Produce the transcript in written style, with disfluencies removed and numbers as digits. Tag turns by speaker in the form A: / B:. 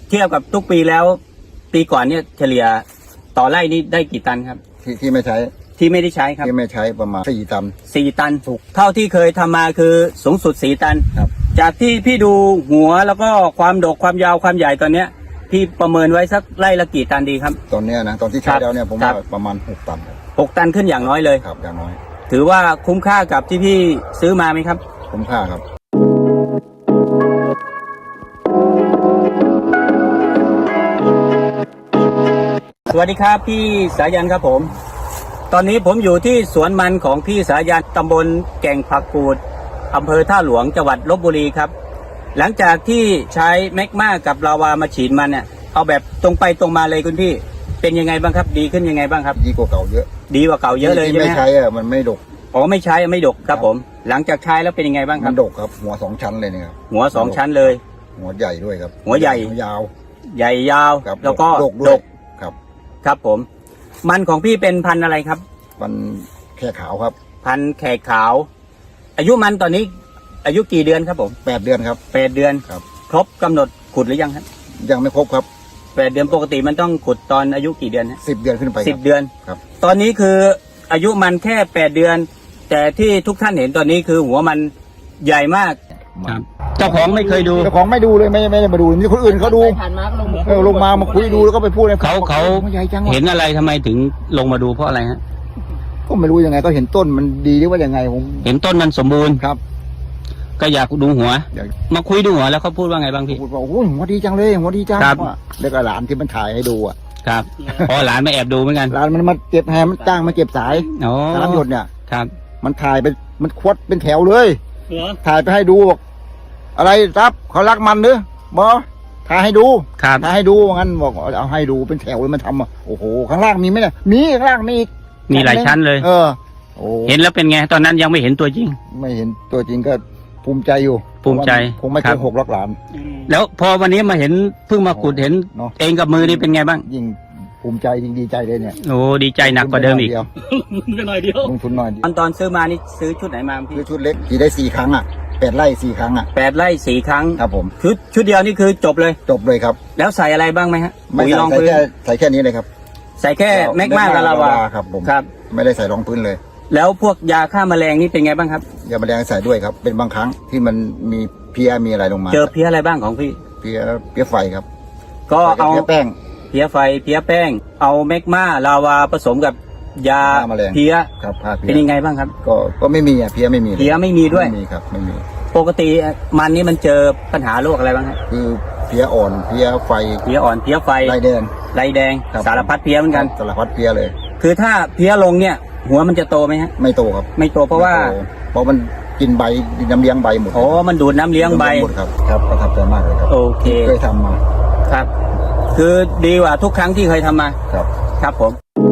A: เทียบกับทุกปีแล้ว ปีก่อนเนี่ยเฉลี่ยต่อไร่นี่ได้กี่ตันครับ
B: ที่ไม่ใช้
A: ที่ไม่ได้ใช้ครับ
B: ที่ไม่ใช้ประมาณ4 ตัน
A: 4 ตันถูกเท่าที่เคยทำมาคือสูงสุด4 ตัน
B: ครับ
A: จากที่พี่ดูหัวแล้วก็ความดกความยาวความใหญ่ตอนเนี้ยพี่ประเมินไว้สักไร่ละกี่ตันดีครับ
B: ตอนเนี้ยนะตอนที่ใช้แล้วเนี่ยผมว่าประมาณ6 ตัน
A: 6 ตันขึ้นอย่างน้อยเลย
B: ครับอย่างน้อย
A: ถือว่าคุ้มค่ากับที่พี่ซื้อมาไหมครับ
B: คุ้มค่าครับ
A: สวัสดีครับพี่สายันครับผมตอนนี้ผมอยู่ที่สวนมันของพี่สายันตำบลแก่งผักกูดอำเภอท่าหลวงจังหวัดลพบุรีครับหลังจากที่ใช้แมกมากับลาวามาฉีดมันเนี่ยเอาแบบตรงไปตรงมาเลยคุณพี่เป็นยังไงบ้างครับดีขึ้นยังไงบ้างครับ
B: ดีกว่าเก่าเยอะ
A: ดีกว่าเก่าเยอะเลยใช่ไหม
B: ไม่ใช้มันไม่ดก
A: อ๋อไม่ใช้ไม่ดกครับผมหลังจากใช้แล้วเป็นยังไงบ้างครับ
B: มันดกครับหัว2 ชั้นเลยนะครับ
A: หัว2 ชั้นเลย
B: หัวใหญ่ด้วยครับ
A: หัวใหญ่
B: ยาว
A: ใหญ่ยาวแล้วก็ดก
B: ครับ
A: ครับผมมันของพี่เป็นพันธุ์อะไรครับ
B: มันแค่ขาวครับ
A: พันธุ์แขกขาวอายุมันตอนนี้อายุกี่เดือนครับผม
B: 8 เดือนครับ
A: 8 เดือน
B: ครับ
A: ครบกำหนดขุดหรือยังครับ
B: ยังไม่ครบครับ
A: 8 เดือนปกติมันต้องขุดตอนอายุกี่เดือนฮะ
B: 10 เดือนขึ้นไป
A: 10 เดือน
B: ครับ
A: ตอนนี้คืออายุมันแค่8 เดือนแต่ที่ทุกท่านเห็นตอนนี้คือหัวมันใหญ่มากครับเจ้าของไม่เคยดู
B: เจ้าของไม่ดูเลยไม่ได้มาดูนี่คนอื่นเขาดูลงมาคุยดูแล้วก็ไปพูดให้
A: เขาเห็นอะไรทำไมถึงลงมาดูเพราะอะไรฮะ
B: ก็ไม่รู้ยังไงก็เห็นต้นมันดีหรือว่ายังไงผม
A: เห็นต้นมันสมบูรณ์
B: ครับ
A: ก็อยากดูหัวมาคุยดูหัวแล้วเขาพูดว่าไงบ้างพี่
B: พูดว่าโอ้หัวดีจังเลยหัวดีจังแล้วก็หลานที่มันถ่ายให้ดูอ่ะ
A: ครับพอหลานมาแอบดูเหมือนกัน
B: หลานมันมาเก็บแฮมมันจ้างมาเก็บสายน้ำหยดเนี่ย
A: ครับ
B: มันถ่ายไปมันควัดเป็นแถวเลยถ่ายไปให้ดูบอกอะไรรับเขารักมันหรือบอถ่ายให้ดูถ่ายให้ดูงั้นบอกเอาให้ดูเป็นแถวเลยมันทำอ่ะโอ้โหข้างล่างมีไหมเนี่ยมีข้างล่าง
A: มีหลายชั้นเลยเห็นแล้วเป็นไงตอนนั้นยังไม่เห็นตัวจริง
B: ไม่เห็นตัวจริงก็ภูมิใจอยู่
A: ภูมิใจ
B: คงไม่เคย6 ล็อกหลาน
A: แล้วพอวันนี้มาเห็นเพิ่งมาขุดเห็นเองกับมือนี่เป็นไงบ้าง
B: ยิ่งภูมิใจยิ่งดีใจเลยเนี่ย
A: โอ้ดีใจหนักกว่าเดิมอีก
B: หน่อยเดียวลงทุนหน่อย
A: ตอนซื้อมานี่ซื้อชุดไหนมาพี่
B: ซื้อชุดเล็กขี่ได้4 ครั้งอ่ะ8 ไร่ 4 ครั้งอ่ะ
A: 8 ไร่ 4 ครั้ง
B: ครับผม
A: ชุดเดียวนี่คือจบเลย
B: ครับ
A: แล้วใส่อะไรบ้างไหมฮะ
B: ไม่ใส่แค่นี้เลยครับ
A: ใส่แค่แมกมากับลาวา
B: ครับผม
A: ครับ
B: ไม่ได้ใส่รองพื้นเลย
A: แล้วพวกยาฆ่าแมลงนี่เป็นไงบ้างครับ
B: ยาแมลงใส่ด้วยครับเป็นบางครั้งที่มันมีเพี้ยมีอะไรลงมา
A: เจอเพี้ยอะไรบ้างของพี่
B: เพี้ยไฟครับ
A: ก็เอา
B: เพี้ยแป้ง
A: เพี้ยไฟเพี้ยแป้งเอาแมกมาลาวาผสมกับยาเพี้ย
B: ครับ
A: เป็นยังไงบ้างครับ
B: ก็ไม่มีเพี้ยไม่มี
A: ด้วย
B: ไม่มีครับไม่มี
A: ปกติมันนี่มันเจอปัญหาโรคอะไรบ้างครับ
B: คือเพี้ยอ่อนเพี้ยไฟ
A: เพี้ยอ่อนเพี้ยไฟ
B: ลายแดง
A: สารพัดเพี้ยเหมือนกัน
B: สารพัดเพี้ยเลย
A: คือถ้าเพี้ยลงเนี่ยหัวมันจะโตไหมฮะ
B: ไม่โตครับ
A: ไม่โตเพราะ
B: มันกินใบน้ำเลี้ยงใบหมด
A: อ๋อมันดูดน้ำเลี้ยงใบ
B: หมดครับประทับใจมากเลยครับ
A: โอเค
B: เคยทำมา
A: ครับคือดีกว่าทุกครั้งที่เคยทำมา
B: ครับ
A: ครับผม